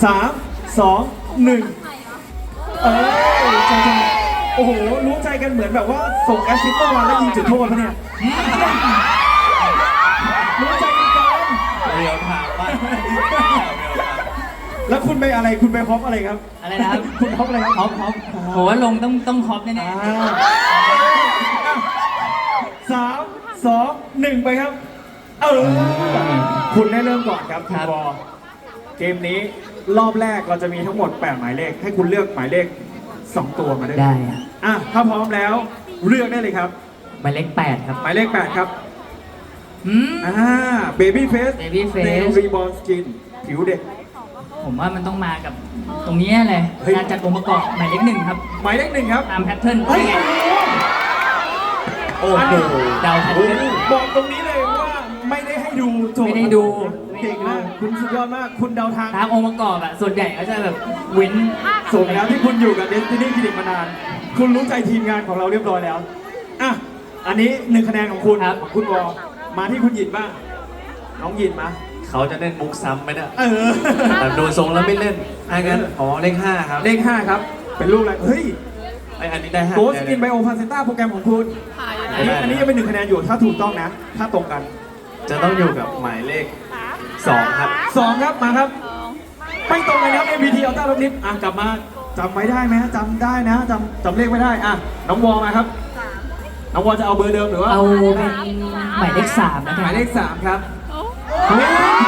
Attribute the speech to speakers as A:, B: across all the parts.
A: 3 2 1ใจโอ้โหรู้ใจกันเหมือนแบบว่าส่งแอสซิสต์เมื่อวานแล้วยิงจุดโทษปะเนี่ยรู้ใจกันเกิน
B: เรียวถามว่า
A: แล้วคุณไปอะไรคุณไปฮอปอะไรครับ
C: อะไรนะครับ
A: คุณฮอปอะไรครับ
C: ฮอปผมว่าลงต้องฮอปแน่
A: 3 2 1ไปครับคุณได้เริ่มก่อนครับคุณบอเกมนี้รอบแรกเราจะมีทั้งหมด8หมายเลขให้คุณเลือกหมายเลข2ตัวมาได้
C: ได้อะ
A: ถ้าพร้อมแล้วเลือกได้เลยครับ
C: หมายเลข8ครับ
A: หมายเลข8ครับ
C: อืม
A: เบบี้เฟส
C: Baby Face
A: เนลรีบอร์นสกินผิวเด็ก
C: ผมว่ามันต้องมากับตรงนี้เลย
A: เฮ้ย
C: การจัดองค์ประกอบหมายเลข1ครับ
A: หมายเลข1ครับ
C: ตามแพทเทิร์น
A: เฮ้ย
C: ไง
B: โอ้โห
C: เดาแพท
A: โอ้
C: เทิร์น
A: บอกตรงนี้เลยว่าไม่ได้ให้ดูโจทย์
C: ไม่ได้ดู
A: เก่งมากคุณสุดยอดมากคุณเดาทาง
C: ตามองค์ประกอบอะส่วนใหญ่ก็จะแบบเว้น
A: สมแล้วที่คุณอยู่กับ Destiny Clinic มานาน คุณรู้ใจทีมงานของเราเรียบร้อยแล้วอันนี้1คะแนนของคุณของคุณวอมาที่คุณหยินบ้างน้องหยินมา
B: เขาจะเล่นมุกซ้ำไหมเนี่ย
A: เออ
B: แต่ดูทรงแล้วไม่เล่นถ้างั้นอ๋อเลข5ครับ
A: เลข5ครับเป็นรูปอะไรเฮ้ย
B: อันนี้ได้5
A: โกสกินไบโอพาเซต้าโปรแกรมของคุณอันนี้ยังเป็น1คะแนนอยู่ถ้าถูกต้องนะ ถ้าตรงกัน
B: จะต้องอยู่กับหมายเลข2ครับ
A: 2 ครับมาครับ ไม่ตรงกันครับ MBT Ultra ลบนิดกลับมาจำไว้ได้ไหมจำได้นะจำเลขไม่ได้น้องวอมาครับน้องวอจะเอาเบอร์เดิมหรือว่า
C: เอาเป็นหมายเลข3นะ
A: ห
C: ครั
A: มา
C: บ
A: ยเลข3ครับเฮ้ย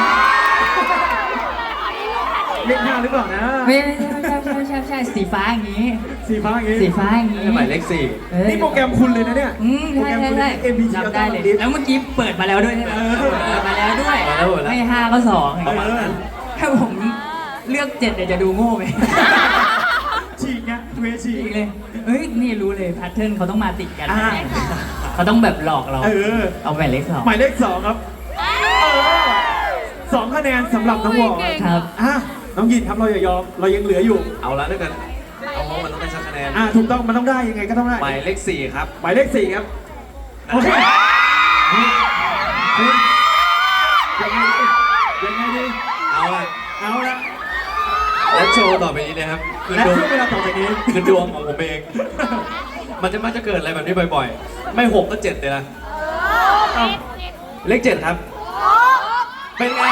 A: เลข5หรือเปล่านะ
C: ไม่ใช่สีฟ้าอย่างนี้
A: สีฟ้าอย่างงี้
C: สีฟ้าอย่างนี้
B: หมายเลข
C: เอ้ย
A: นี่โปรแกรมคุณเลยนะเนี่ย โปรแกรมคุณ
C: ใช่
A: MBT
C: จำได้
A: Ultra
C: เลย
A: ลบนิด
C: แล้วเมื่อกี้เปิดมาแล้วด้วยใช่ไหม
A: เออ
C: เปิดมาแล้วด้วยไม่5ก็2อย่าง
A: เอ
C: เงี้ย
A: อ
C: ถ้าผมเลือก7เนี่ยจะดูโง่ไหม
A: ฉีกไงเวฉี
C: จ
A: ก
C: ริงเลยเฮ้ยนี่รู้เลยแพทเทิร์นเขาต้องมาติดกัน
A: อ่า
C: เขาต้องแบบหลอกเรา
A: เออ
C: เอาหมายเลข2
A: หมายเลข2ครับ2 คะแนนสำหรับน้องวอ
C: ครับ
A: น้องยินครับเราอย่ายอมเรายังเหลืออยู่
B: เอาละด้วยกันเอาเพราะมันต้องได้สักคะแนน
A: ถูกต้องมันต้องได้ยังไงก็ต้องได้
B: หมายเลข4ครับ
A: หมายเลข4ครับโอเคคุณยังไงดียังไงดี
B: เอาละ
A: เอาละ
B: และโชว์ต่อไปนี้นะครับคือ
A: และ
B: ดวง
A: ช่วงเวลาต่อจากนี้
B: คือดวงของผมเอง มันจะเกิดอะไรแบบนี้บ่อยๆ ไม่6ก็7เลยนะเลข7ครับ เป็นไง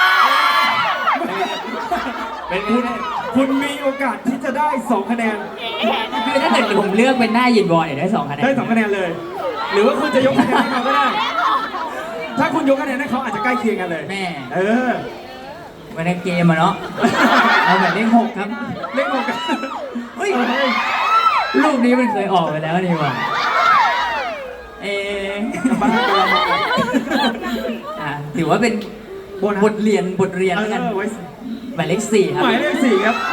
B: เป็นไง
A: คุณมีโอกาสที่จะได้2 คะแนน
C: คือถ้าเกิดผมเลือกเป็นหน้ายินบอลเนี่ยได้2 คะแนน
A: ได้2 คะแนนเลย หรือว่าคุณจะยกคะแนนให้เขาก็ได้ ถ้าคุณยกคะแนนให้เขาอาจจะใกล้เคียงกันเลย
C: แม่
A: เออ
C: วันในเกมอะเนาะเอาหมายเลข6ครับ
A: เลข6กัน
C: เฮ้ยรูปนี้มันเคยออกไปแล้วนี่หว่า
A: บ้าตัวเรา
C: ถือว่าเป็นบทเรียนแล้วกัน
A: ไว้
C: หมายเลข4ครับ
A: หมายเลข4ครับ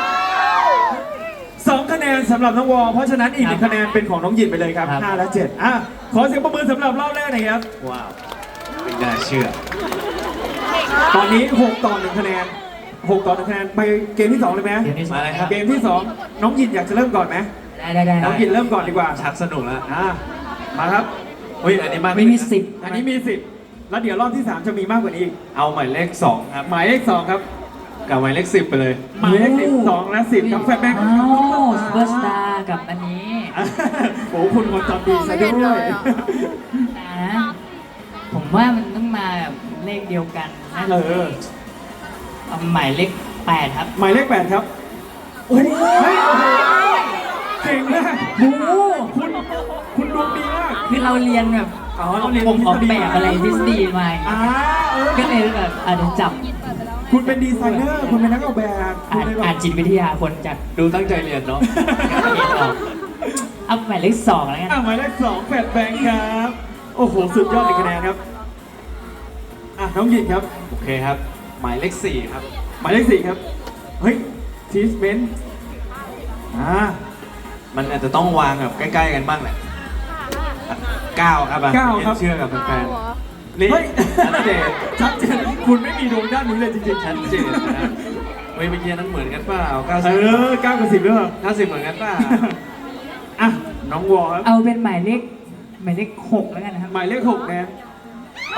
A: 2 คะแนนสำหรับน้องวอ เพราะฉะนั้นอีก1 คะแนนเป็นของน้องหยินไปเลยครับ 5 และ 7ขอเสียงปรบมือสำหรับรอบแรกหน่อยครับ
B: ว้าวไม่น่าเชื่อ
A: ตอนนี้6 ต่อ 1 คะแนน6 ต่อ 1 คะแนนไปเกมที่ 2 เลยไหม
C: เกมที่สอง
B: มาเลยครับ
A: เกมที่ 2 น้องหยินอยากจะเริ่มก่อนไหม
C: ได้
A: น้องหยินเริ่มก่อนดีกว่า
B: ชักสนุกแล้ว
A: มาครับ
B: อุ้ยอันนี้มาก
C: ไม่มี
B: นะ
C: 10
A: อันนี้มี10แล้วเดี๋ยวรอบที่ 3 จะมีมากกว่านี้อีก
B: เอาหมายเลข2ครับ
A: หมายเลข2ครับ
B: กับหมายเลข10ไปเลย
A: หมายเลข12 และ 10ครับแฟนแบงค์
C: อ้าวซูเปอร์สตาร์กับอันนี้
A: โอ้คุณคนจำดีซะด้วย
C: นะผมว่ามันต้องมาแบบเลขเดียวกันน่าจะเอาหมายเลข8ครับ
A: หมายเลข8ครับโอ้ยเก่งมาก
C: โอ้
A: คุณดวงดีมาก
C: คือเราเรียนแบบ
A: เราเรียน
C: ผมออกแบบอะไรทฤษฎีมา ก็เลยแบบอาจจะจับ
A: คุณเป็นดีไซเนอร์ คุณเป็นนักออกแบบคุณเลยแบ
C: อ่าน
A: บ
C: จิตวิทยาคนจัด
B: ดูตั้งใจเรียนเนาะ
C: เอาหมายเลข2แล้วกัน
A: หมายเลข2แฟนแบงค์ครับ โอ้โห สุดยอดเลยคะแนนครับ น้องหยินครับ
B: โอเคครับ หมายเลข4ครับ
A: หมายเลข4ครับ เฮ้ยทีสเบน
B: มันอาจจะต้องวางแบบใกล้ๆกันบ้างแหละ9ครับ
A: 9ครับ
B: เชื่อกับแฟนๆนี่
A: เฮ้ย
B: ชัดเจน
A: ชัดเจนคุณไม่มีดวงด้านนี้เลยจริงๆ
B: ชัดเจนนะเฮ้ยเมื่อกี้นั้นเหมือนกันเปล่า
A: 9 กับ 10ด้วยเหรอ
B: 90เหมือนกันเปล่า
A: น้องวอครับ
C: เอาเป็นหมายเลข6แล้วกันนะครับ
A: หมายเลข6นะ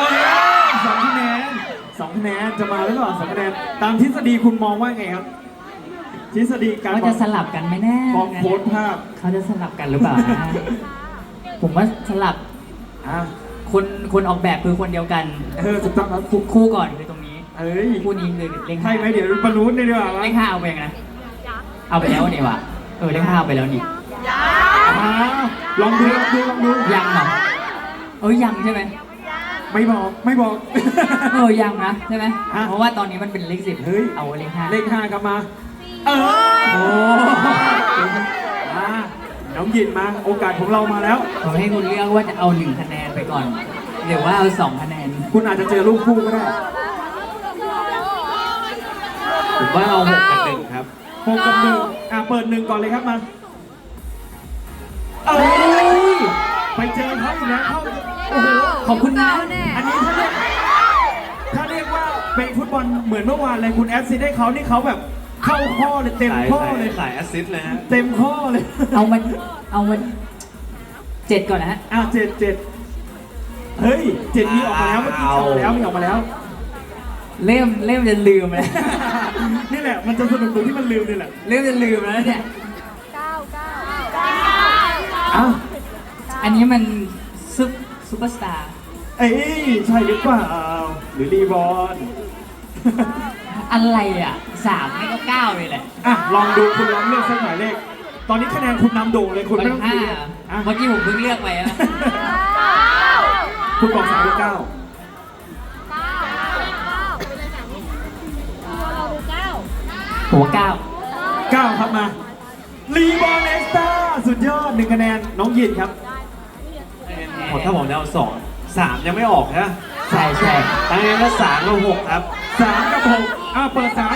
A: 2 คะแนน2 คะแนนจะมาหรือเปล่า2 คะแนนตามทฤษฎีคุณมองว่าไงครับทฤษฎีการ
C: เขาจะสลับกันไหมแน่
A: มองโพสต์ภาพ
C: เขาจะสลับกันหรือเปล่านะผมว่าสลับ
A: อ่ะ
C: คนออกแบบคือคนเดียวกัน
A: ถูกต้องครับ
C: คู่ก่อนคือตรงนี้
A: เอ้ย
C: คู่นี้คือเลข
A: ใช่
C: ห้า
A: ไหมเดี๋ยวบรรลุได้ดีกว่า
C: เลขห้าเอาไปยังไงนะเอาไปแล้วนี่วะเลขห้าเอาไปแล้วนี่
A: อ่าลองดูลองดู
C: ยังเหรอยังใช่ไหม
A: ไม่บอก
C: ยังนะใช่ไหม
A: ฮะ
C: เพราะว่าตอนนี้มันเป็นเลข 10
A: เฮ้ย
C: เอาเลขห้า
A: เลข5ครับมา โอ้มาน้องยินมา โอกาสของเรามาแล้ว
C: ผมให้คุณเลือกว่าจะเอา1คะแนนไปก่อนหรือว่าเอา2คะแนน
A: คุณอาจจะเจอลูกคู่ก็ได้
B: ผมว่าเอา6กับ1ครับ
A: 6 กับ 1เปิด 1 ก่อนเลยครับมาเอ้ยไปเจอเขาอีกแล้วโอ้โห
C: ขอบคุณนะ
A: อันนี้ถ้าเรียกว่าเป็นฟุตบอลเหมือนเมื่อวานเลยคุณแอสซิดให้เขานี่เขาแบบเข้าข้อเลยเต็มข้อเลย
B: ขายแอสซิสต์เลยฮะ
A: เต็มข้อเลย
C: เอามัน7ก่อนนะฮะ
A: เจ็ดเฮ้ย7มีออกมาแล้วเมื่อกี้ออกมาแล้วมีออกมาแล้ว
C: เริ่มจะลืมแล้ว
A: นี่แหละมันจะสนุกตรงที่มันลืมนี่แหละ
C: เริ่มจะลืมแล้วเนี่ย
A: อ้าว
C: อันนี้มันซุปเปอร์สตาร์
A: เอ้ยใช่หรือเปล่าหรือรีบอล
C: อะไรอ่ะ3ไม่ก็9เลยแหละ
A: ลองดูคุณลองเลือกสักหมายเลข ตอนนี้คะแนนคุณนำโด่งเลยคุณไม่ต้อง
C: ห้า
A: คุยอ่ะ
C: เมื่อกี้ผมเพิ่งเลือกไปนะ
A: คุณบอก3หรือ9
C: หัว9
A: 9ครับมารีบอลเอ็กซ์ตร้าสุดยอด1คะแนนน้องยินครับ
B: หมดถ้าผมจะเอา2 3ยังไม่ออกนะ
C: ใช่ใช่
B: ตั้งแต่ก็3กับ6ครับ
A: 3 กับ6เปิด3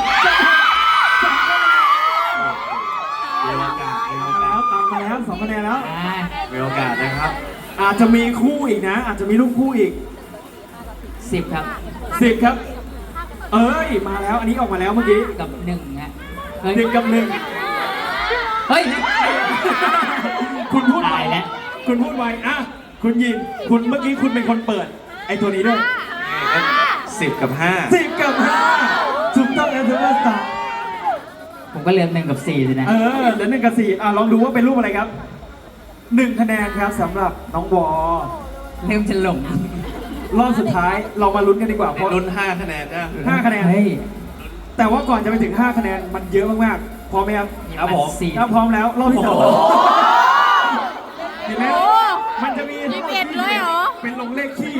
B: มีโอกาส
A: แล้วตามมาแล้ว2คะแนนแล้ว
B: มีโอกาสนะครับ
A: อาจจะมีคู่อีกนะ อาจจะมีลูกคู่อีก
C: 10 ครับ
A: 10 ครับ เอ้ยมาแล้วอันนี้ออกมาแล้วเมื่อกี้
C: กับ1ฮะ
A: 1 กับ
C: เฮ้ย
A: 1 คุณพูดไว
C: ตายแล้ว
A: คุณพูดไวคุณยินคุณเมื่อกี้คุณเป็นคนเปิดไอ้ตัวนี้ด้วย
B: 10 กับ
A: 10 กับ 5ถูกต้องแล้วเทอร์สตาร์
C: ผมก็เลือก1 กับ4สินะ
A: เหลือ1 กับ 4ลองดูว่าเป็นรูปอะไรครับ1 คะแนนครับสำหรับน้องวอ
C: เริ่มจะหลง
A: รอบสุดท้ายเรามาลุ้นกันดีกว่าเพราะ
B: 5ลุ้น5คะแนนนะ
A: 5 คะแนน
C: เฮ้ย
A: แต่ว่าก่อนจะไปถึง 5 คะแนนมันเยอะมากๆพร้อมไหมครับ
B: ครับผม
A: ถ้าพร้อมแล้วรอบที่สอง
B: โอ้โห
A: เห็นไหมมันจะมี
D: 21เลยเหรอ
A: เป็นลงเลขที่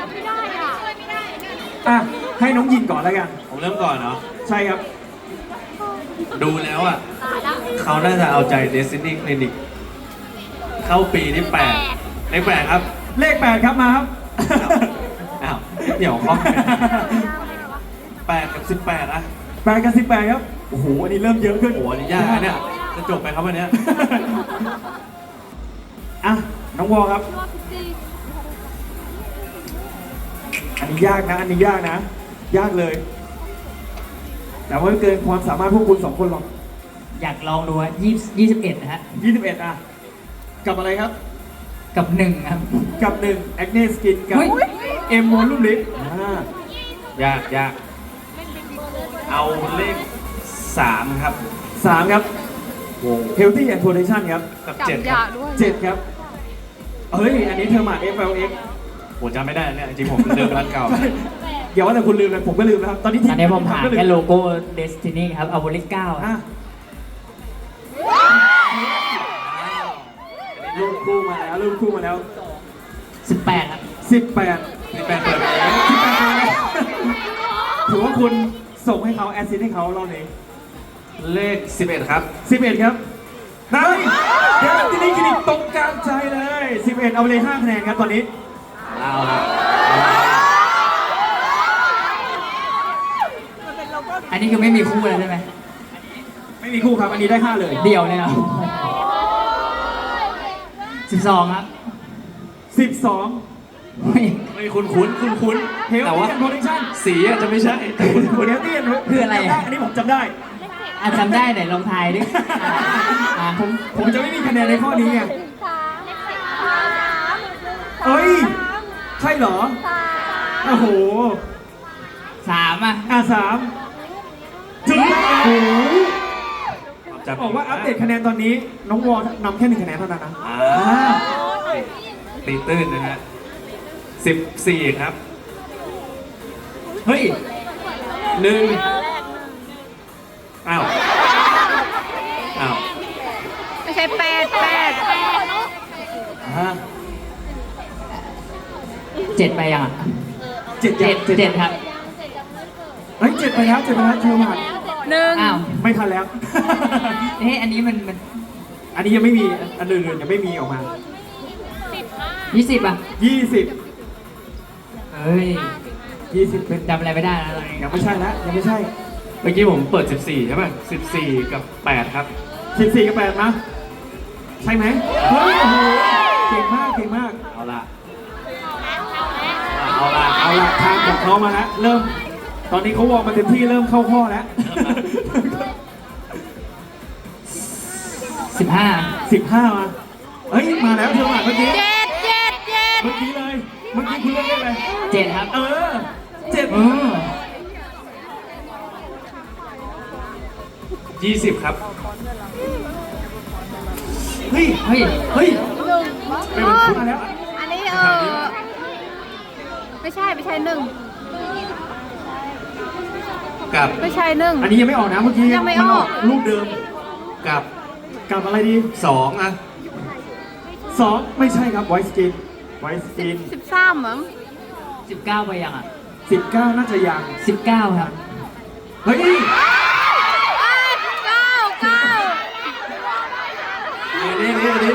A: ให้น้องยินก่อนแล้วกัน
B: ผมเริ่มก่อนเนาะ
A: ใช่ครับ
B: ดูแล้วอ่ะ เขาน่าจะเอาใจ Destiny Clinic เข้าปีที่8เลข8ครับ
A: เลข 8 ครับมาครับ
B: อ้าวเดี๋ยวข้อ8 กับ 18 อ่ะ
A: 8 กับ 18 ครับ โอ้โห อันนี้เริ่มเยอะขึ้น
B: โอ้โหอันนี้ยากนะเนี่ย จะจบไปครับวันเนี้ย
A: น้องวอครับ อันนี้ยากนะ ยากเลย แต่ว่าเกินความสามารถพวกคุณ2 คนหรอก
C: อยากลองดูว่า21นะฮะ
A: 21กับอะไรครับ
C: กับ1ครับ
A: กับ1แอคเนสกินกับ
C: เฮ้ย
A: เอ็มโมลูลิฟ
B: ยาก เอาเลข 3 ครับ
A: 3 ครับ
B: วง
A: Healthy and Protection ครับ
B: กับ
D: จับ
B: 7 ค
D: ยา
B: รับ
D: ด้วย
A: 7 ครับ เฮ้ย อันนี้เทอร์มา FLX
B: ผมจำไม่ได้เนี่ย จริงๆผมลืมร้านเก่า
A: อย่าว่าแต่คุณลืมเลยผมก็ลืมนะครับ ตอนนี้
C: ตอนนี้ผมหา
A: ก็ลื
C: แค่โลโก้ Destiny ครับ เอาเลข9
A: อ่ะลูกคู่มาแล้ว
C: 18ครับ
A: 18
B: นี่แปลเปิดไปเอง
A: ถือว่าคุณส่งให้เขาแอสซิสให้เขารอบนี้
B: เลข 11 ครับ
A: 11 ครับได้เดี๋ยวที่นี่คลินิกตรงกลางใจเลย 11 เอาเลย5 คะแนนครับตอนนี้
B: เอาครับ
C: อันนี้คือไม่มีคู่แล้วใช่ไหม
A: ไม่มีคู่ครับ อันนี้ได้ 5 เลย
C: เดี่ยวเลยเหรอ12 ครับ
A: 12
C: เฮ้ย
B: ไม่คุ้นๆ
A: Healthy
B: แต่ว่า
A: and Protection
B: สีอาจจะไม่ใช่แต่คุ้น
A: เฮลตี้
C: คืออะไรอ่ะ
A: อันนี้ผมจำได้
C: จำได้ไหนลองทายดิผม
A: ผมจะไม่มีคะแนนในข้อนี้ไงเอ้ย ใช่เหรอ โอ้โห
C: 3 อ่ะ
A: 3ถึงแล้วโอ้โหบอกว่าอัปเดตคะแนนตอนนี้ น้องวอนำแค่1คะแนนเท่านั้นนะ
B: ตีตื้นนะฮะ14 ครับ เฮ้ยอ้าว
D: ไม่ใช่แปด
C: 7 ไปยังอ่ะ
A: เจ็ด
C: 7ครับ
A: เฮ้ย7ไปแล้วเชิญมา
D: หนึ่ง
C: อ้าว
A: ไม่ทันแล้ว
C: เฮ้ยอันนี้มัน
A: อันนี้ยังไม่มีอันอื่นๆยังไม่มีออกมา
C: 20 อ่ะ
A: 20
C: เฮ้ย
A: 20เป็น
C: จำอะไรไม่ได้แล้วตอนนี้
A: ยังไม่ใช่แล้วยังไม่ใช่
B: เมื่อกี้ผมเปิด 14 ใช่ป่ะ 14 กับ 8 ครับ
A: 14กับ8นะใช่ไหมเฮ้ยโอ้โหเก่งมาก
B: เอาละ
A: เอาละทางของเขามาแล้วเริ่ม ตอนนี้เขาวอร์มมาเต็มที่เริ่มเข้าข้อแล้ว
C: 15
A: 15มาเฮ้ยมาแล้วเธอมาเมื่อกี้
D: เจ็ด
A: เมื่อกี้เลยเมื่อกี้คุณเลือกเลขอะไร
C: 7 ครับ
A: 7
B: 20 ครับ
A: เฮ้ย
C: เฮ้ย
A: เป็นคุณมาแล้ว
D: อันนี้ไม่ใช่หนึ่ง
B: กับ
D: ไม่ใช่หนึ่ง
A: อันนี้ยังไม่ออกนะเมื่อกี้
D: ยังไม่ออก
A: รูปเดิม
B: กับ
A: กับอะไรดี
B: 2 อ่ะ
A: 2ไม่ใช่ครับไวสกิน
D: 13มั้ง
C: 19 ไปยังอ่ะ
A: 19น่าจะยัง
C: 19 ครับ
A: เฮ้ย
D: เก้า
B: อันนี้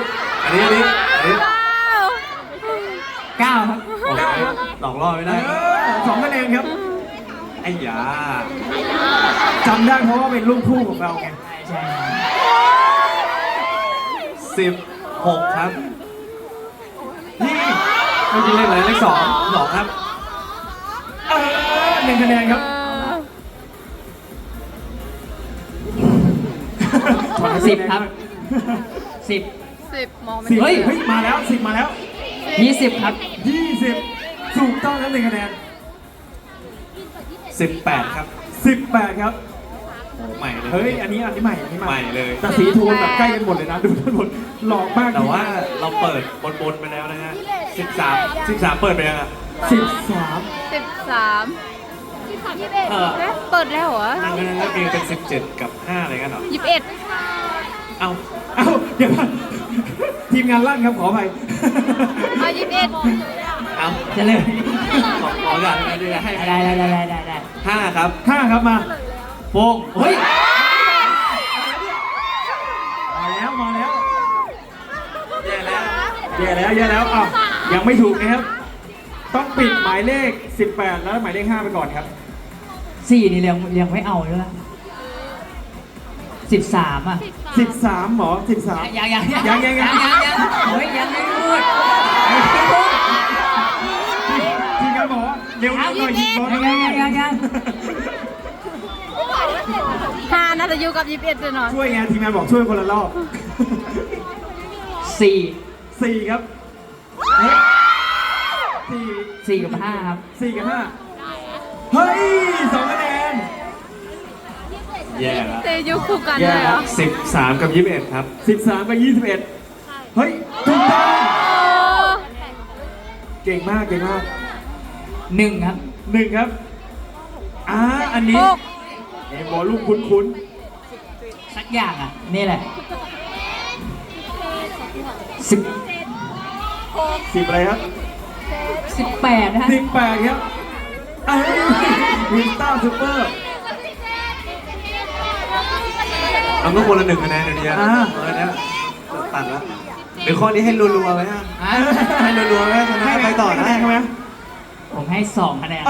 C: 9 ครับ
B: โอ้ยหลอกล่อไม่ได้
A: 2คะแนนครับ
B: ไอ้ยา
A: จำได้เพราะว่าเป็นลูกคู่ของเราไง
C: ใช่
B: 16 ครับ
A: นี่
B: เมื่อกี้เลขอะไรเลข2ครับ
A: 1คะแนนครับ
C: 10 ครับ 10
D: 10มองไม่
A: 10
C: เฮ้ย
A: เฮ้ยมาแล้ว10มาแล้ว
C: 20 ครับ
A: 20ถูกต้องแล้ว1คะแนน
B: 18 ครับ
A: 18ครับ
B: โอ้ใหม่เลย
A: เฮ้ยอันนี้ใหม่
B: ใหม่เลย
A: แต่สีโทนแบบใกล้กันหมดเลยนะดูทั้งหมดหลอกมาก
B: แต่ว่าเราเปิดบนไปแล้วนะฮะ 13 เปิดไปยังอ่ะ
A: 13
D: 13
B: เออ
D: เอ๊ะเปิดแล้วเหรอ
B: นั่นก็มีเป็น 17 กับ 5 อะไรกันเหรอ
D: 21
B: เอ้า
A: เอ้าเดี๋ยวก่อนทีมงานลั่นครับขออภัย
D: เอา21
B: เอ้า
C: จะเลย
B: ขอก่อนเดี๋ยวให้
C: ได้
B: 5 ครับ
A: 5ครับมา
B: โป้งเฮ้ย
A: มาแล้ว
B: แย่แล้ว
A: แย่แล้วอ้าวยังไม่ถูกนะครับ ต้องปิดหมายเลข 18 แล้วหมายเลข 5 ไปก่อนครับ
C: 4 นี่ยังไม่เอาเลยนะ13 อ่ะ
A: 13หมอ13
C: ยัง
A: ยัง
C: เฮ้ยยังไม่พูด
A: ทีมงานหมอเร็วหน่อยยิงบอล
C: ยัง
D: 5น่าจะอยู่กับ21เลยเนาะ
A: ช่วยไงทีมงานบอกช่วยคนละรอบ
C: 4
A: 4 ครับเฮ้ย
C: 4 กับ 5 ครับ
A: 4กับ5เฮ้ย2คะแนน
B: แย่แล้ว
D: เตยุคู่กันเลยเหรอ
B: 13 กับ 21 ครับ
A: 13 กับ 21 เฮ้ยถูกต้องเก่งมาก
C: 1 ครับ
A: 1 ครับอันนี้
D: หก
A: เอ็มบอลลูกคุ้น
C: สักอย่างอ่ะ นี่แหละ
A: 10อะไรครับ
C: 18 นะฮะ
A: 18ครับวินต้าซูเปอร์
B: เอาก็คนละ1 คะแนนเดี๋ยวนี้เนี่ยตัดแล้วเดี๋ยวข้อนี้ให้รัวๆไว้ฮะ
C: อ่ะ
B: ให้รัวๆไว้ชนะไปต่อได้
A: ใช่ไหม
C: ผมให้ 2 คะแนน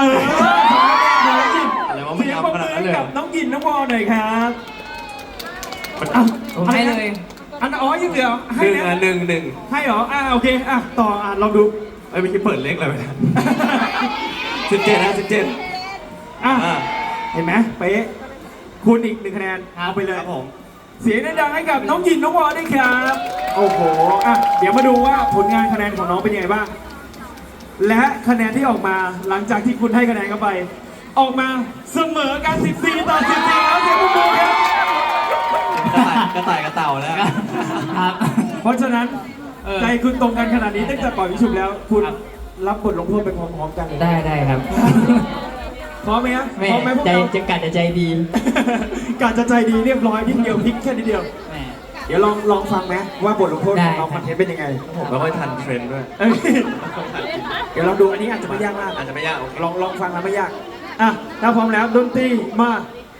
B: อะไรวะมัน
A: เสียง
B: ยำ
A: ปรบ
B: ขนาด
A: มื
B: นั้น
A: อ
B: เลย
A: กับน้องยินน้องวอหน่อยครับ
C: ผมให้เลย
A: อันยังเหลือให้
B: 1
A: นะ
B: อ่ะ 1
A: ให้เหรอโอเคต่อลองดู
B: เอ้ยเมื่อกี้เปิดเลขอะไรไปนะ17 นะ 17
A: อ่ะเห็นไหมเป๊ะคุณอีก1 คะแนนเอาไปเลย
B: ครับผม
A: เสียงดังๆให้กับน้องยินน้องวอด้วยครับโอ้โหเดี๋ยวมาดูว่าผลงานคะแนนของน้องเป็นยังไงบ้างและคะแนนที่ออกมาหลังจากที่คุณให้คะแนนเข้าไป ออกมาเสมอกัน14 ต่อ 14แล้วเสียงปรบมือครับ
B: กระต่ายกับเต่าแล้ว
C: ครับ
A: เพราะฉะนั้น ใจคุณตรงกันขนาดนี้ตั้งแต่ปล่อยวิชุบแล้ว คุณ
C: ครับ
A: รับบทลงโทษไปพร้อมๆกันเลย
C: ได้ครับ
A: พร้อมไหมครับ
C: แม่
A: พร้อมไหมพวก
C: ใจ
A: เรา
C: จะกัดจะใจดี
A: กาจะใจดีเรียบร้อยนิดเดียวพลิกแค่นิดเดียว
C: แม่
A: เดี๋ยวลองฟังไหมว่าบทลงโทษ
C: ได้
A: ของเราคอนเทนต์เป็นยังไง
B: ผมไม่ค่อยทันเทรนด์ด้วย
A: เอ้ยเดี๋ยวลองดูอันนี้อาจจะไม่ยากมาก
B: อาจจะไม่ยากโอเค
A: ลองฟังแล้วไม่ยากอ่ะถ้าพร้อมแล้วดนตรีมา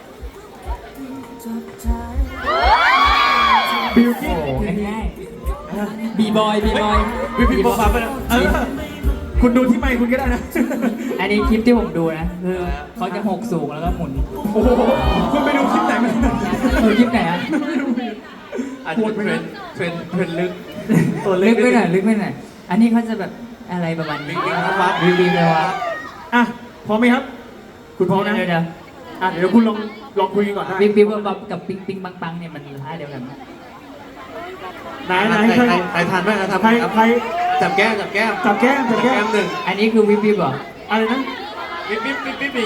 A: บิวกิ้น
C: โอ้ง่ายบีบอยบีบอย
B: พี่ป๊อปไปแล้ว
A: คุณดูที่ไมค์คุณก็ได้นะ
C: อันนี้คลิปที่ผมดูนะคือเขาจะหกสูงแล้วก็หมุน
A: โอ้โหคุณไปดูคลิปไหนมา
C: คลิปไหนอะ
B: อาจจะเป็นเทรนด์ลึก
C: ตัวลึกไปหน่อยลึกไปหน่อยอันนี้เขาจะแบบอะไรประมาณนี้
B: วิ่งวับ
C: วิ่งวิ่งไปวับ
A: อ่ะพร้อมไหมครับ คุณพร้อมนะ
C: เดี๋ยว
A: อ่ะเดี๋ยวคุณลองคุยกันก่อนได้
C: วิ่งวิ่งวับกับปิงปิงปังปังเนี่ยมันท่าเดียวกันไหม
A: ไหน
B: ใครทันบ้างนะทำ
A: ใคร
B: ครับ
A: ใคร
B: จับแก้ม
A: จับแก้มจับแก้ม
B: หนึ่ง
C: อันนี้คือวิ่งวิ่งเหรอ
A: อะไรนะ
B: ปิ๊บหนี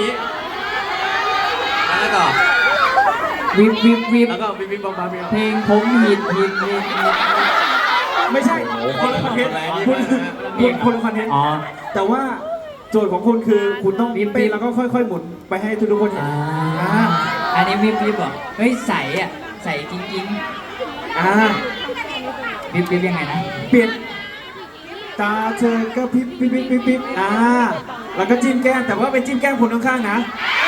B: แล้วก็
C: วิ่งวิ่งวิ่ง
B: แล้วก็ปิ๊บป๊อปป๊อป
C: เพลงผมฮิตฮิตฮิต
A: ไม่ใช่คนละคอนเทนต์คนละคอนเทนต์
C: อ๋อ
A: แต่ว่าโจทย์ของคุณคือคุณต้อง
C: ปิ๊บ
A: เต้นแล้วก็ค่อยๆหมุนไปให้ทุกคนเห็น
C: อันนี้วิ่งวิ่งเหรอเฮ้ยใสอ่ะใสจริง
A: อ่า
C: ๆวิ่งวิ่งยังไงนะ
A: เปลี่ยนตาเธอก็พริบแล้วก็จิ้มแก้มแต่ว่าเป็นจิ้มแก้มคนข้างๆนะ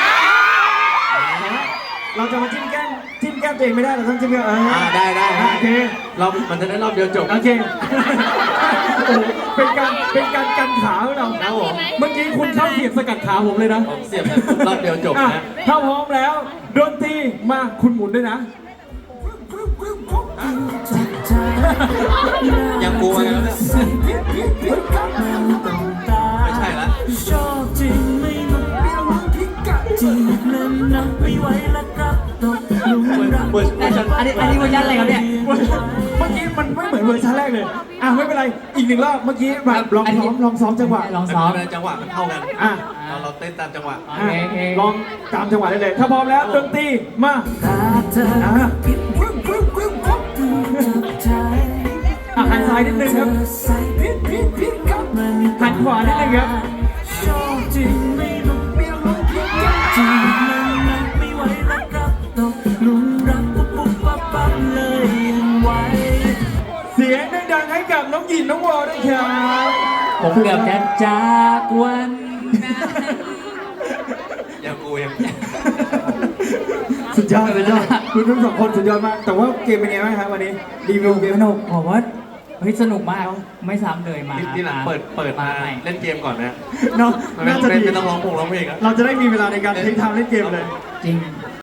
A: เราจะมาจิ้มแก้มตัวเองไม่ได้เราต้องจิ้มแก้ม
B: ได้
A: โอเค
B: มันจะได้รอบเดียวจบ
A: โอเคโอ้โหเป็นการกันขาของเรา
B: นะผม
A: เมื่อกี้คุณเข้าเสียบสกัดขาผมเลยนะ
B: ผมเสียบรอบเดียวจบ
A: อ่ะ
B: นะ
A: ถ้าพร้อมแล้วดนตรีมาคุณหมุนด้วยนะ
B: ยังกลัวกันแล้วเนี่ยไม่ใช่ละ
E: ชอบจริงไม่ต้องเปรี้ยวหวานพิกัดจริงนั้นนับไม่ไหวแล้วครับตกหลุมรัก
C: อันนี้เวอร์ชันอะไรครับเนี่ย
A: เมื่อกี้มันไม่เหมือนเวอร์ชันแรกเลยอ่ะไม่เป็นไรอีกหนึ่งรอบเมื่อกี้แบบลองซ้อมจังหวะ
C: ลองซ้อม
B: จังหวะมันเท่ากัน
A: อ่ะ
B: เราเต้นตามจังหวะ
C: โอเค
A: ลองตามจังหวะได้เลย ถ้าพร้อมแล้วดนตรีมา
E: ตาเธอ
A: อ่ะ
E: พิบวิววิววิววับดูจับใจ
A: หันซ้ายนิดนึงครับ
E: ใส่พิบพิบพิบกับมัน
A: หันขวานิดนึงครับ
E: ชอบจริงไม่ต้องเปรี้ยวหวานพิกัดจริงนั้นนับไม่ไหวแล้วครับตกหลุมรักปุ๊บปุ๊บปั๊บปั๊บเลยยังไหว
A: เสียงดังๆให้กับน้องหยินน้องวอลด้วยครับ
C: ผมเกือบจะจากวันนั้น
B: ยังกู
A: สุดยอดคุณทั้งสองคนสุดยอดมาก แต่ว่าเกมเป็นไงบ้างครับวันนี้รีวิวเกม
C: สนุกผมว่าเฮ้ยสนุกมากไม่ซ้ำเลยมา
B: ที่หลังเปิดมา
C: ใหม่
B: เล่นเกมก่อนนะ
A: เนาะ
B: มัน
A: น่าจะดี
B: ไม่ต้องร้องเพลงอ่ะ
A: เราจะได้มีเวลาในการเทคไทม์เล่นเกมเลย
C: จริง